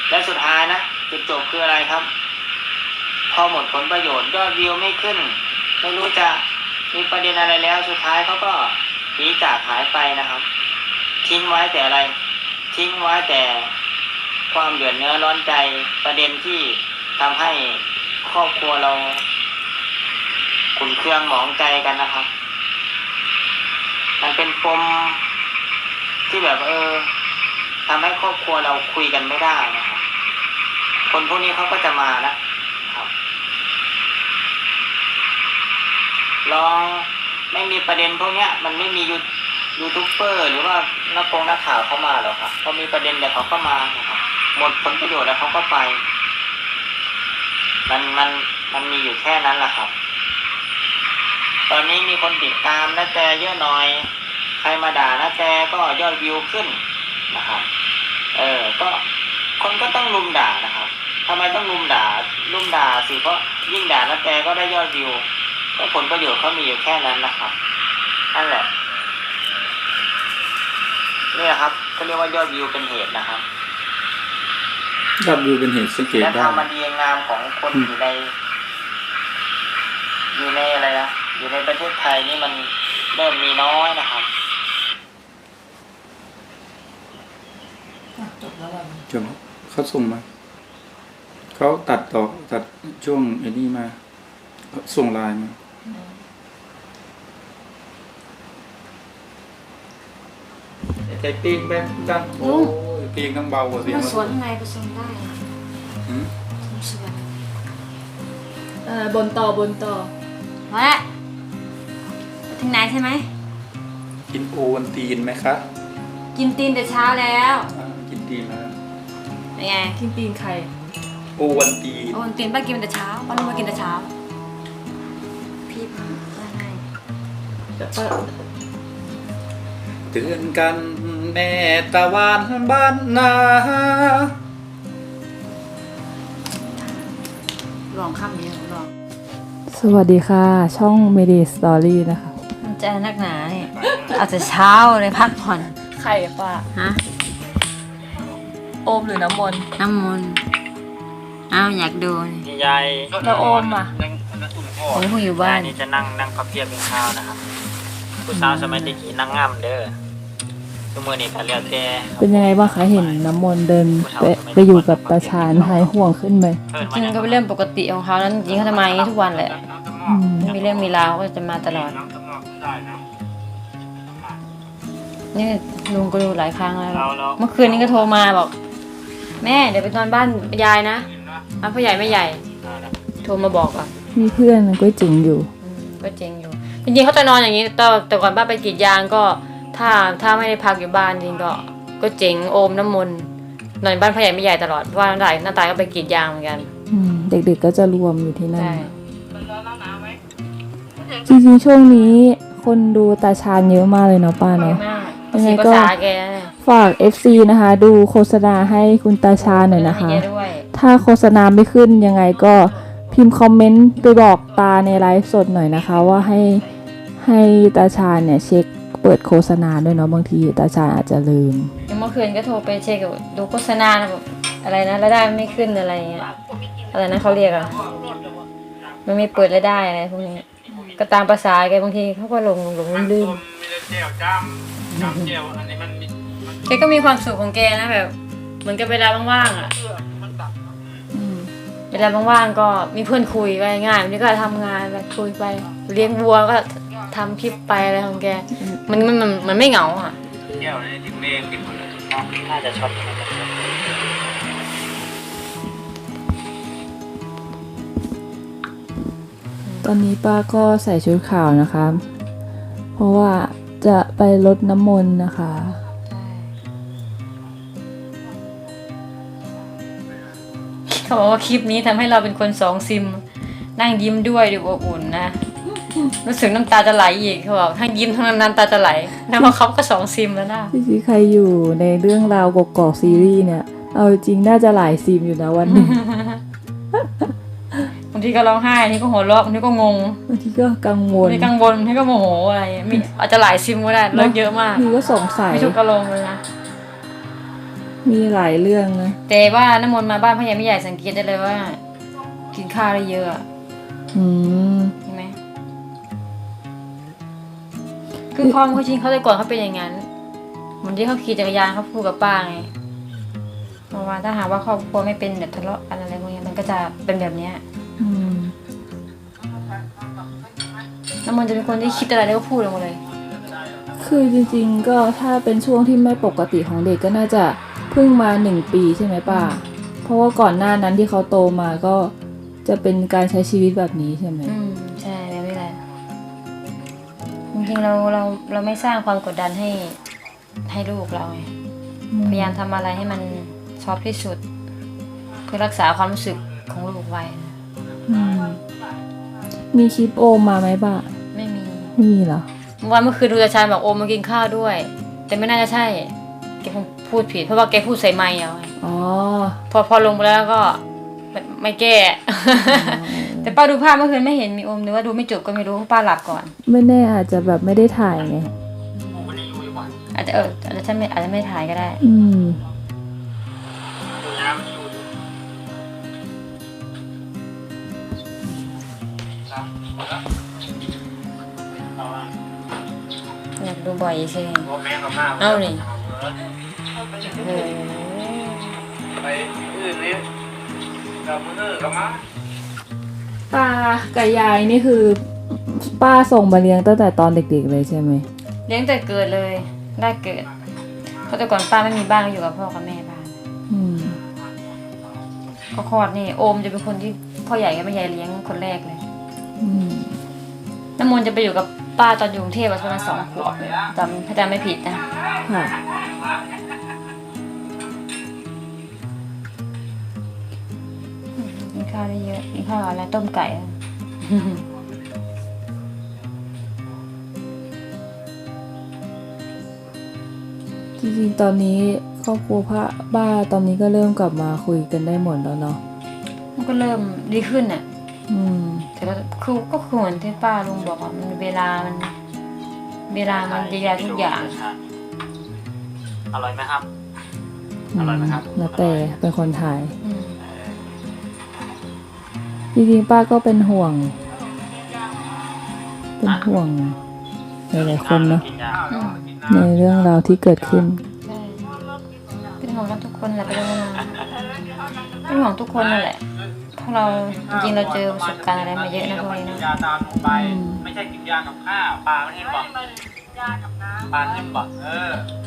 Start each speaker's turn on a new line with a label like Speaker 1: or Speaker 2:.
Speaker 1: และสุดท้ายนะจุดจบคืออะไรครับพอหมดผลประโยชน์ยอดวิวไม่ขึ้นไม่รู้จะมีประเด็นอะไรแล้วสุดท้ายเขาก็หนีจากหายไปนะครับทิ้งไว้แต่อะไรทิ้งไว้แต่ความเดือดเนื้อร้อนใจประเด็นที่ทำให้ครอบครัวเราขุ่นเคืองหมองใจกันนะครับมันเป็นปมที่แบบทำให้ครอบครัวเราคุยกันไม่ได้นะครับคนพวกนี้เขาก็จะมานะครับลองไม่มีประเด็นพวกเนี้ยมันไม่มียูทูบเบอร์หรือว่านักข่าวเข้ามาหรอกครับพอมีประเด็นเดี๋ยวเขาก็มานะครับหมดผลประโยชน์แล้วเขาก็ไปมันมีอยู่แค่นั้นแหละครับตอนนี้มีคนติดตามนะแต่เยอะหน่อยใครมาด่านะแต่ก็ยอดวิวขึ้นนะครับก็คนก็ต้องลุมด่านะครับทำไมต้องลุมด่าสิเพราะยิ่งด่านะแต่ก็ได้ยอดวิวก็ผลประโยชน์เขามีอยู่แค่นั้นนะครับนั่นแหละนี่แหละครับก็เรียกว่ายอดวิวเป็นเหตุนะครับ
Speaker 2: ยอดวิวเป็นเหตุสังเกตได้
Speaker 1: และความดีงามของคนอยู่ในอะไรนะอยู่ในประเทศไทยนี่มันเริ่มมีน้อยนะครับ
Speaker 3: จบแล้ว
Speaker 2: เขาส่งมาเขาตัดช่วงไอ้นี่มาส่งไลน์มาใจปีกแบบดังโอ้ยปีกทั้งเบากว่าเสียง
Speaker 3: มันสวนข้างในผสมได้สวนบนต่อมาแล้วถึงไหนใช่ไหม
Speaker 2: กินโอวันตีนไหมคะ
Speaker 3: กินตีนแต่เช้าแล้ว
Speaker 2: กินตีนแล้ว
Speaker 3: เป็นไงกินตีนใคร
Speaker 2: โอวันตีน
Speaker 3: ตีนป้ากินแต่เช้าป้าลุงมากินแต่เช้าพี่ให้แต่ป้า
Speaker 2: เตือนกันแม่ตะวันบ้านนา
Speaker 3: ลองข้ามนี้ลอง
Speaker 4: สวัสดีค่ะช่อง Medi Story นะคะ
Speaker 3: มันจะนักหนาเนี่ยอาจจะเช้าเลยพักผ่อน
Speaker 4: ใครป้า
Speaker 3: ฮะ
Speaker 4: โอมหรือน้ำมนต์
Speaker 3: อยากดู
Speaker 1: ยาย
Speaker 4: แล้วโอมอ่ะ
Speaker 3: ผมคงอยู่บ้าน
Speaker 1: นี่จะนั่งพับเพียบเป็นข้าวนะครับผู้สาวสมัยตะกี้นั่งง่ำเด้อทุกมื้อนี้ก็แล้วแต่
Speaker 4: เป็นยังไงบ้างคะเห็นน้ำมนต์เดินไปอยู่กับตาชาญหายห่วงขึ้นไหม
Speaker 3: จริงก็เป็นเรื่องปกติของเขานั้นจริงเขาจะมาอย่างนี้ทุกวันแหละไม่มีเรื่องมีราวก็จะมาตลอดนี่ลุงก็ดูหลายครั้งแล้วเมื่อคืนนี้ก็โทรมาบอกแม่เดี๋ยวไปนอนบ้านยายนะบ้านพ่อใหญ่ไม่ใหญ่โทรมาบอกอ่ะ
Speaker 4: มีเพื่อนมันก็จริงอยู่
Speaker 3: จริงๆเขาจะนอนอย่างนี้แต่ก่อนป้าไปกรีดยางก็ถ้าไม่ได้พักอยู่บ้านจริงก็เจ๋งโอมน้ำมนต์นอนบ้านพ่อใหญ่ไม่ใหญ่ตลอดเพราะว่าหน้าตายก็ไปกรีดยางเหมือนกัน
Speaker 4: เด็กๆก็จะรวมอยู่ที่นั่นจริงๆช่วงนี้คนดูตาชาญเยอะมากเลยเนาะป้าเนาะ
Speaker 3: ยังไงก็
Speaker 4: ฝาก FC นะคะดูโฆษณาให้คุณตาชาญหน่อยนะคะถ้าโฆษณาไม่ขึ้นยังไงก็พิมพ์คอมเมนต์ไปบอกตาในไลฟ์สดหน่อยนะคะว่าให้ตาชาญเนี่ยเช็คเปิดโฆษณาด้วยเนาะบางทีตาชาญอาจจะลืม
Speaker 3: เมื่อคืนก็โทรไปเช็คดูโฆษณาแบบอะไรนะรายได้ไม่ขึ้นอะไรเงี้ยอะไรนะเขาเรียกอะมันไม่เปิดรายได้อะไรพวกนี้ก็ตามภาษาแกบางทีเขาก็หลงลืมแกก็มีความสุขของแกนะแบบเหมือนกับเวลาว่างๆอะเวลาว่างๆก็มีเพื่อนคุยไปง่ายนี่ก็ทำงานไปคุยไปเลี้ยงวัวก็ทำคลิปไปอะไรของแกมันไม่เหงาอ่ะ
Speaker 1: เที่ยวในทิมเมฆกินหมดเลยน่าจะช็อต
Speaker 4: ตอนนี้ป้าก็ใส่ชุดขาวนะคะเพราะว่าจะไปรดน้ำมนต์นะคะ
Speaker 3: เขาบอกว่าคลิปนี้ทำให้เราเป็นคน2 ซิมนั่งยิ้มด้วยดูอบอุ่นนะรู้สึกน้ำตาจะไหลอีกเขาบอกทั้งยิ้มทั้งน้ำตาจะไหลแล้วมาเขาก็2 ซิมแล้วนะ
Speaker 4: ที่ใครอยู่ในเรื่องราวกอกซีรีส์เนี่ยเอาจริงน่าจะหลายซิมอยู่นะวันนี้
Speaker 3: บางทีก็ร้องไห้บางทีก็หัวเราะบางทีก็งง
Speaker 4: บางทีก็กังวล
Speaker 3: บางทีก็โมโหอะไรอาจจะหลายซิมก็ได้เลิกเยอะมาก
Speaker 4: มีก็สงสัย
Speaker 3: ไม่ถูกอารมณ์เลยนะ
Speaker 4: มีหลายเรื่องนะ
Speaker 3: แต่ว่าน้ำมนต์มาบ้านพ่อใหญ่ไม่ใหญ่สังเกตได้เลยว่า กินข้าวได้เยอะอะ
Speaker 4: อืม
Speaker 3: เห็นไหมคือพ่อเขาจริงเขาแต่ก่อนเขาเป็นอย่างนั้นเหมือนที่เขาขี่จักรยานเขาพูดกับป้าไงเพราะว่าถ้าหากว่าครอบครัวไม่เป็นแบบทะเลาะกันอะไรพวกนี้มันก็จะเป็นแบบเนี้ย
Speaker 4: อืม
Speaker 3: น้ำมนต์จะเป็นคนที่คิดอะไรแล้วก็พูดออกมาเลย
Speaker 4: คือจริงๆก็ถ้าเป็นช่วงที่ไม่ปกติของเด็กก็น่าจะเพิ่งมา1 ปีใช่ไหมป้า เพราะว่าก่อนหน้านั้นที่เขาโตมาก็จะเป็นการใช้ชีวิตแบบนี้ใช่ไหม
Speaker 3: ใช่แบบนี้แหละจริงๆเราไม่สร้างความกดดันให้ลูกเราไงพยายามทำอะไรให้มันซอฟต์ที่สุด เพื่อรักษาความรู้สึกของลูกไว้นะ
Speaker 4: อืมมีคลิปโอมมาไหมป้า
Speaker 3: ไม่มี
Speaker 4: ไม่มีเหรอ
Speaker 3: เมื่อคืนดูอาจารย์บอกโอมมากินข้าวด้วย แต่ไม่น่าจะใช่แกคงพูดผิดเพราะว่าแกพูดใส่ไมค์เอาไง
Speaker 4: อ๋อ
Speaker 3: พอลงไปแล้วก็ไม่แก้ แต่ป้าดูภาพเมื่อคืนไม่เห็นมีโอมหรือว่าดูไม่จบก็ไม่รู้เพราะป้าหลับก่อน
Speaker 4: ไม่แน่อาจจะแบบไม่ได้ถ่ายไง
Speaker 3: อาจจะอาจจะอาจจะไม่ถ่ายก็ได้
Speaker 4: อืม
Speaker 3: อยากดูบ่อยใช่ไหมเอานี่เออ
Speaker 1: ไปอื่นนี่กับมือกับมา
Speaker 4: ตากับยายนี่คือป้าส่งมาเลี้ยงตั้งแต่ตอนเด็กๆเลยใช่ไหม
Speaker 3: เลี้ยงแต่เกิดเลยได้เกิดเพราะแต่ก่อนป้าไม่มีบ้านก็อยู่กับพ่อกับแม่บ้าน
Speaker 4: อืม
Speaker 3: ก็คลอดนี่โอมจะเป็นคนที่พ่อใหญ่กับแม่ใหญ่เลี้ยงคนแรกเลย
Speaker 4: อืม
Speaker 3: น้ำมนต์จะไปอยู่กับป้าตอนอยู่กรุงเทพประมาณ2 ขวบถ้าจำไม่ผิดนะ
Speaker 4: ค่ะ
Speaker 3: กินข้าวได้เยอะกินข้าวอะไรต้มไก่อะ
Speaker 4: จริงๆตอนนี้ครอบครัวพระบ้าตอนนี้ก็เริ่มกลับมาคุยกันได้หมดแล้วเนาะ
Speaker 3: มันก็เริ่มดีขึ้นน่ะ
Speaker 4: อืม
Speaker 3: แต่ก็คือเหมือนที่ป้าลุงบอกอ่ะมันเวลามันดีแล้วทุกอย่าง
Speaker 1: อร่อยไหมครับ อร่อยไหมครับ
Speaker 4: นาแต่เป็นคนถ่าย
Speaker 3: อืม
Speaker 4: จริงๆป้าก็เป็นห่วง เป็นห่วงหลายๆคนเนาะ
Speaker 3: อืม
Speaker 4: ในเรื่องราวที่เกิดขึ้น
Speaker 3: ใช่เป็นห่วงกันทุกคนแหละเป็นห่วงเป็นห่วงทุกคนนั่นแหละเพราะเราจริงๆเราเจอประสบการณ์อะไรมาเยอะนะพวกนี้นะ
Speaker 1: ยาตามลงไป ไม่ใช่กินยากับข้าวปลาไม่ให้บอกปลาให้บอก